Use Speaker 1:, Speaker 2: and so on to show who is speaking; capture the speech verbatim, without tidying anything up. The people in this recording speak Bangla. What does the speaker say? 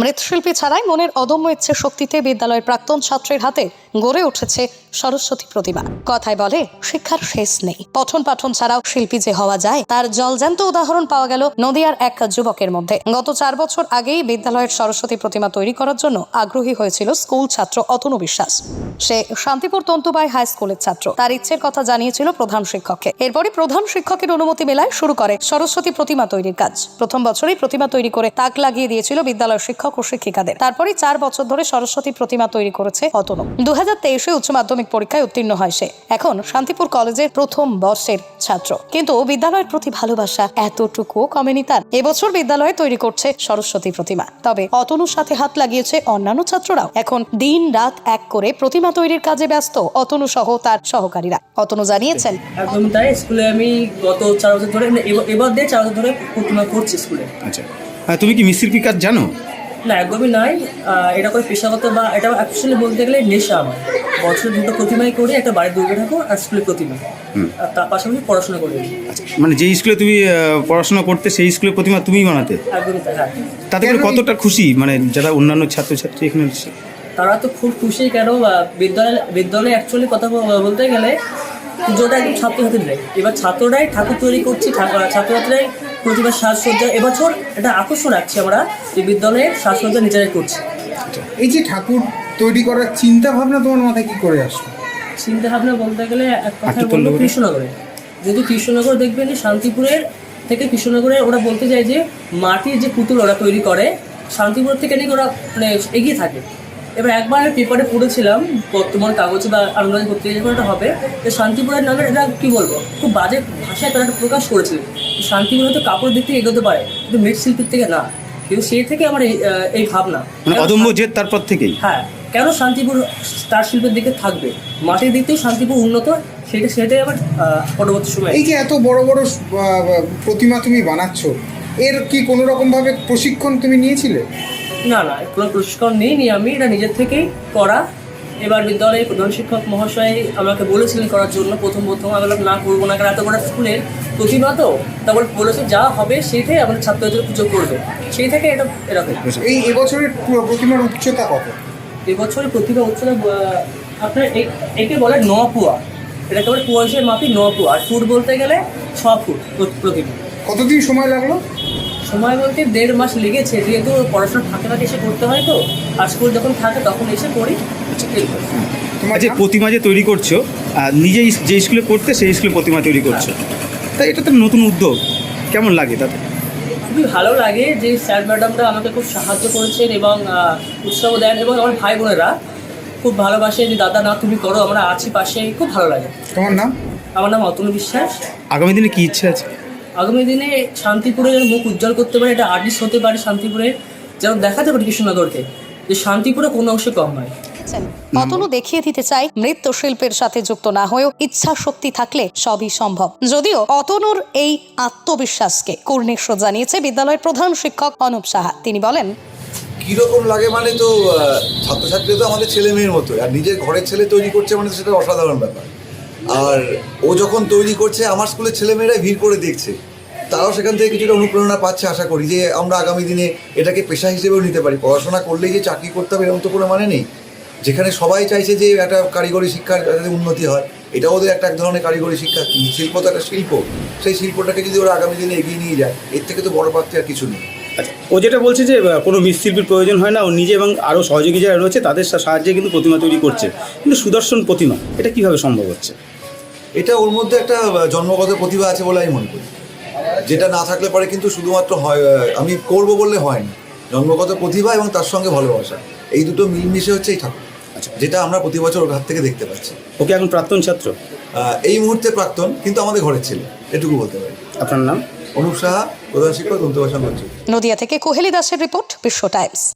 Speaker 1: মৃৎশিল্পী ছাড়াই মনের অদম্য ইচ্ছে শক্তিতে বিদ্যালয়ের প্রাক্তন ছাত্রের হাতে গড়ে উঠেছে সরস্বতী প্রতিমা। কথায় বলে শিক্ষার শেষ নেই। পঠন পাঠন ছাড়াও শিল্পী যে হওয়া যায় তার জলজ্যান্ত উদাহরণ পাওয়া গেল নদিয়ার এক যুবকের মধ্যে। গত চার বছর আগেই বিদ্যালয়ের সরস্বতী প্রতিমা তৈরি করার জন্য আগ্রহী হয়েছিল স্কুল ছাত্র অতনু বিশ্বাস। সে শান্তিপুর তন্তুবাই হাই স্কুলের ছাত্র। তার ইচ্ছের কথা জানিয়েছিল প্রধান শিক্ষককে। এরপরই প্রধান শিক্ষকের অনুমতি মেলায় শুরু করে সরস্বতী প্রতিমা তৈরির কাজ। প্রথম বছরেই প্রতিমা তৈরি করে তাক লাগিয়ে দিয়েছিল বিদ্যালয়ের শিক্ষক ও শিক্ষিকাদের। তারপরই চার বছর ধরে সরস্বতী প্রতিমা তৈরি করেছে অতনু। দু হাজার তেইশে উচ্চ মাধ্যমিক পরীক্ষায় উত্তীর্ণ হয় সে। এখন শান্তিপুর কলেজের প্রথম বর্ষের ছাত্র, কিন্তু বিদ্যালয়ের প্রতি ভালোবাসা এতটুকুও কমেনি তার। এবছর বিদ্যালয়ে তৈরি করছে সরস্বতী প্রতিমা। তবে অতনুর সাথে হাত লাগিয়েছে অন্যান্য ছাত্ররাও। এখন দিন রাত এক করে প্রতিমা তৈরির কাজে ব্যস্ত অতনু সহ তার সহকারীরা। অতনু জানিয়েছেন,
Speaker 2: একদম তাই। স্কুলে আমি গত চার বছর ধরে, এবার দিয়ে চার বছর ধরে প্রতিমা করছি স্কুলে।
Speaker 3: আচ্ছা, তুমি কি মৃৎশিল্পী কাজ জানো?
Speaker 2: না, একদমই নাই। এটা করে পেশাগত বা এটা অ্যাকচুয়ালি বলতে গেলে নেশা আমার। বছরে দুটো প্রতিমাই করি, একটা বাড়ির দুর্গা ঠাকুর আর স্কুলের প্রতিমা। আর তার পাশাপাশি পড়াশোনা করি।
Speaker 3: মানে যে স্কুলে তুমি পড়াশোনা করতে সেই স্কুলের প্রতিমা তুমিই বানাতে?
Speaker 2: একদমই তাই। হ্যাঁ।
Speaker 3: তাতে করে কতটা খুশি মানে যারা অন্যান্য ছাত্রছাত্রী এখানে এসেছে?
Speaker 2: তারা তো খুব খুশি। কেন বিদ্যালয় বিদ্যালয়ে অ্যাকচুয়ালি কথা বলতে গেলে পুজোটা একদম ছাত্রছাত্রীদের দেয়। এবার ছাত্ররাই ঠাকুর তৈরি করছি, ছাত্রছাত্রীরাই প্রতিমার সাজসজ্জা। এবছর এটা আকর্ষণ রাখছি আমরা যে বিদ্যালয়ের সাজসজ্জা নিজেরাই করছি।
Speaker 4: এই যে ঠাকুর তৈরি করার চিন্তা ভাবনা তোমার মাথায় কি করে আসলো?
Speaker 2: চিন্তা ভাবনা বলতে গেলে এক কথা বলবো কৃষ্ণনগরে। যেহেতু কৃষ্ণনগর দেখবেন শান্তিপুরের থেকে কৃষ্ণনগরে ওরা বলতে চায় যে মাটির যে পুতুল ওরা তৈরি করে শান্তিপুর থেকে নাকি ওরা মানে এগিয়ে থাকে। এবার একবার পেপারে পড়েছিলাম, বর্তমান কাগজে বা আনন্দ পত্রিকা যখন এটা হবে, যে শান্তিপুরের নামে এটা কী বলবো খুব বাজে ভাষায় তারা প্রকাশ করেছিল। শান্তিপুর হয়তো কাপড় দিক থেকে এগোতে পারে, কিন্তু মৃৎশিল্পীর থেকে না। কিন্তু সেই থেকে আমার এই এই ভাবনা,
Speaker 3: অদম্য জেদ তারপর থেকেই।
Speaker 2: হ্যাঁ, কেন শান্তিপুর স্টার শিল্পের দিকে থাকবে, মাটির দিক থেকে শান্তিপুর উন্নত, সেটা সেটাই আমার পরবর্তী সময়।
Speaker 4: এই যে এত বড় বড় প্রতিমা তুমি বানাচ্ছ, এর কি কোনো রকমভাবে প্রশিক্ষণ তুমি নিয়েছিলে?
Speaker 2: না না, কোনো প্রশিক্ষণ নিইনি আমি, এটা নিজের থেকেই করা। এবার বিদ্যালয়ে প্রধান শিক্ষক মহাশয় আমাকে বলেছিলেন করার জন্য। প্রথম প্রথম আমি বললাম না, করবো না, কারণ এত বড় স্কুলের প্রতিমা তো। তারপর বলেছে যা হবে সেইটাই আমাদের ছাত্রদের পুজো করবে, সেই থেকে এটা এরকম।
Speaker 4: এই এবছরের প্রতিমার উচ্চতা কত?
Speaker 2: এবছরের প্রতিমা উচ্চতা আপনার একে বলে ন পুয়া। এটাকে বলে পুয়া হিসেবে মাপি ন পুয়া। আর ফুট বলতে গেলে ছ ফুট প্রতিমা।
Speaker 4: কতদিন সময় লাগলো?
Speaker 2: সময় বলতে দেড় মাস লেগেছে, যেহেতু পড়াশোনা ফাঁকে ফাঁকে এসে করতে হয় তো। আর স্কুল যখন থাকে তখন এসে করি।
Speaker 3: তোমার যে প্রতিমা যে তৈরি করছো, নিজেই যে স্কুলে করতে সেই স্কুলে প্রতিমা তৈরি করছো, তাই এটা তো নতুন উদ্যোগ, কেমন লাগে তাতে?
Speaker 2: খুবই ভালো লাগে যে স্যার ম্যাডামরা আমাকে খুব সাহায্য করেছেন এবং উৎসাহ দেন, এবং আমার ভাই বোনেরা খুব ভালোবাসে যে দাদা না তুমি করো, আমরা আছি পাশে। খুব ভালো লাগে।
Speaker 4: তোমার নাম?
Speaker 2: আমার নাম অতনু বিশ্বাস।
Speaker 3: আগামী দিনে কি ইচ্ছা আছে?
Speaker 2: আগামী দিনে শান্তিপুরের মুখ উজ্জ্বল করতে পারে, এটা আর্টিস্ট হতে পারে শান্তিপুরে, যেন দেখাতে পারে কৃষ্ণনগরকে যে শান্তিপুরে কোনো অংশে কম নয়।
Speaker 1: অতনু দেখিয়ে দিতে চাই মৃৎশিল্পের সাথে যুক্ত না হয়েও ইচ্ছা শক্তি থাকলে সবই সম্ভব। যদিও অতনুর এই আত্মবিশ্বাসকে কুর্নিশ জানিয়েছে বিদ্যালয়ের প্রধান শিক্ষক অনুপ সাহা। তিনি বলেন,
Speaker 5: কীরকম লাগে মানে তো ছাত্রছাত্রী তো আমাদের ছেলে মেয়ের মতো, আর নিজের ঘরের ছেলে তৈরি করছে মানে সেটা অসাধারণ ব্যাপার। আর ও যখন তৈরি করছে আমার স্কুলের ছেলেমেয়েরাই ভিড় করে দেখছে, তারাও সেখান থেকে কিছুটা অনুপ্রেরণা পাচ্ছে। আশা করি যে আমরা আগামী দিনে এটাকে পেশা হিসেবেও নিতে পারি। পড়াশোনা করলেই যে চাকরি করতে হবে এরকম তো কোনো মানে নেই। যেখানে সবাই চাইছে যে একটা কারিগরি শিক্ষার যাতে উন্নতি হয়, এটা ওদের একটা এক ধরনের কারিগরি শিক্ষা। শিল্প তো একটা শিল্প, সেই শিল্পটাকে যদি ওরা আগামী দিনে এগিয়ে নিয়ে যায়, এর থেকে তো বড় প্রাপ্তি আর কিছু নেই।
Speaker 3: আচ্ছা, ও যেটা বলছে যে কোনো মৃৎশিল্পীর প্রয়োজন হয় না, ও নিজে এবং আরও সহযোগী যারা রয়েছে তাদের সাহায্যে কিন্তু প্রতিমা তৈরি করছে। কিন্তু সুদর্শন প্রতিমা, এটা কীভাবে সম্ভব হচ্ছে?
Speaker 5: এটা ওর মধ্যে একটা জন্মগত প্রতিভা আছে বলে আমি মনে করি, যেটা না থাকলে পরে কিন্তু শুধুমাত্র হয় আমি করবো বললে হয় না। জন্মগত প্রতিভা এবং তার সঙ্গে ভালোবাসা, এই দুটো মিলমিশে হচ্ছে এই ঠাকুর। আচ্ছা, যেটা আমরা প্রতি বছর ওর হাত থেকে দেখতে পাচ্ছি।
Speaker 3: ওকে এখন প্রাক্তন ছাত্র?
Speaker 5: এই মুহূর্তে প্রাক্তন, কিন্তু আমাদের ঘরের ছেলে, এটুকু বলতে পারি।
Speaker 3: আপনার নাম?
Speaker 5: অনুপ সাহা, প্রধান শিক্ষক, তন্তুবাই সংগঠন।
Speaker 1: নদিয়া থেকে কোহেলি দাসের রিপোর্ট, বিশ্ব টাইমস।